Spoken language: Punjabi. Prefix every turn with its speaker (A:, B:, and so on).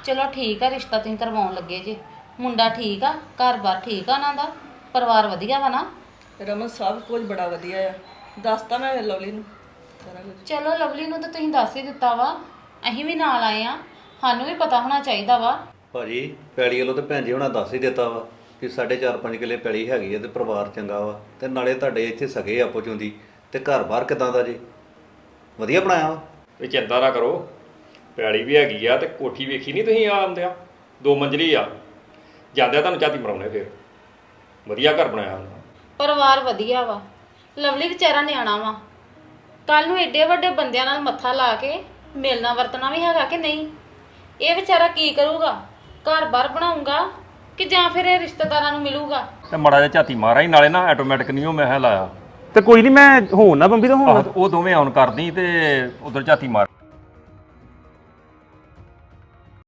A: ਚਲੋ ਠੀਕ ਆ, ਰਿਸ਼ਤਾ ਤੁਸੀਂ ਕਰਵਾਉਣ ਲੱਗੇ ਜੇ। ਮੁੰਡਾ ਠੀਕ ਆ, ਘਰ-ਬਾਰ ਠੀਕ ਆ ਉਹਨਾਂ ਦਾ, ਪਰਿਵਾਰ ਵਧੀਆ ਵਾ ਨਾ?
B: ਰਮਨ ਸਭ ਕੁਝ ਬੜਾ ਵਧੀਆ ਆ। ਦੱਸਤਾ ਮੈਂ ਲਵਲੀ ਨੂੰ ਸਾਰਾ ਕੁਝ।
A: ਚਲੋ ਲਵਲੀ ਨੂੰ ਤਾਂ ਤੁਸੀਂ ਦੱਸ ਹੀ ਦਿੱਤਾ ਵਾ, ਅਸੀਂ ਵੀ ਨਾਲ ਆਏ ਆ, ਸਾਨੂੰ ਵੀ ਪਤਾ ਹੋਣਾ ਚਾਹੀਦਾ ਵਾ।
C: ਭਾਜੀ ਪੈਲੀ ਵੱਲੋਂ ਤੇ ਭੈਣ ਜੀ ਹੁਣਾਂ ਦੱਸ ਹੀ ਦਿੱਤਾ ਵਾ ਕਿ 4.5 ਕਿੱਲੇ ਪੈਲੀ ਹੈਗੀ ਹੈ ਤੇ ਪਰਿਵਾਰ ਚੰਗਾ ਵਾ, ਤੇ ਨਾਲੇ ਤੁਹਾਡੇ ਇੱਥੇ ਸਗੇ ਆਪੋ ਚੋਂਦੀ, ਤੇ ਘਰ-ਬਾਰ ਕਿਦਾਂ ਦਾ ਜੀ? ਵਧੀਆ ਬਣਾਇਆ ਵਾ।
D: ਇਹ ਚਿੰਤਾ ਨਾ ਕਰੋ, ਪੈਲੀ ਵੀ ਹੈਗੀ ਆ ਤੇ ਕੋਠੀ ਵੇਖੀ ਨਹੀਂ ਤੁਸੀਂ ਆਉਂਦੇ ਆ, 2 ਮੰਜ਼ਲੀ ਆ, ਜਾਂਦਿਆਂ ਤੁਹਾਨੂੰ ਝਾਤੀ ਮਰਾਉਣੇ। ਫਿਰ ਵਧੀਆ ਘਰ ਬਣਾਇਆ ਉਹਨਾਂ।
A: ਪਰਿਵਾਰ ਵਧੀਆ ਵਾ, ਲਵਲੀ ਵਿਚਾਰਾ ਨਿਆਣਾ ਵਾ, ਕੱਲ ਨੂੰ ਏਡੇ ਵੱਡੇ ਬੰਦਿਆਂ ਨਾਲ ਮੱਥਾ ਲਾ ਕੇ ਮਿਲਣਾ ਵਰਤਣਾ ਵੀ ਹੈਗਾ ਕਿ ਨਹੀਂ? ਇਹ ਵਿਚਾਰਾ ਕੀ ਕਰੂਗਾ? ਘਰ-ਬਾਰ ਬਣਾਊਗਾ ਕਿ ਜਾਂ ਫਿਰ ਇਹ ਰਿਸ਼ਤੇਦਾਰਾਂ ਨੂੰ ਮਿਲੂਗਾ?
D: ਤੇ ਮੜਾ ਜਿਹਾ ਝਾਤੀ ਮਾਰਾ ਹੀ, ਨਾਲੇ ਨਾ ਆਟੋਮੈਟਿਕ ਨਹੀਂ ਉਹ ਮੈਂ ਲਾਇਆ।
E: ਤੇ ਕੋਈ ਨਹੀਂ, ਮੈਂ ਹੋਣ ਨਾ ਬੰਬੀ ਤੋਂ ਹੋਣ।
D: ਉਹ ਦੋਵੇਂ ਆਨ ਕਰਦੀ ਤੇ ਉਧਰ ਝਾਤੀ ਮਾਰ।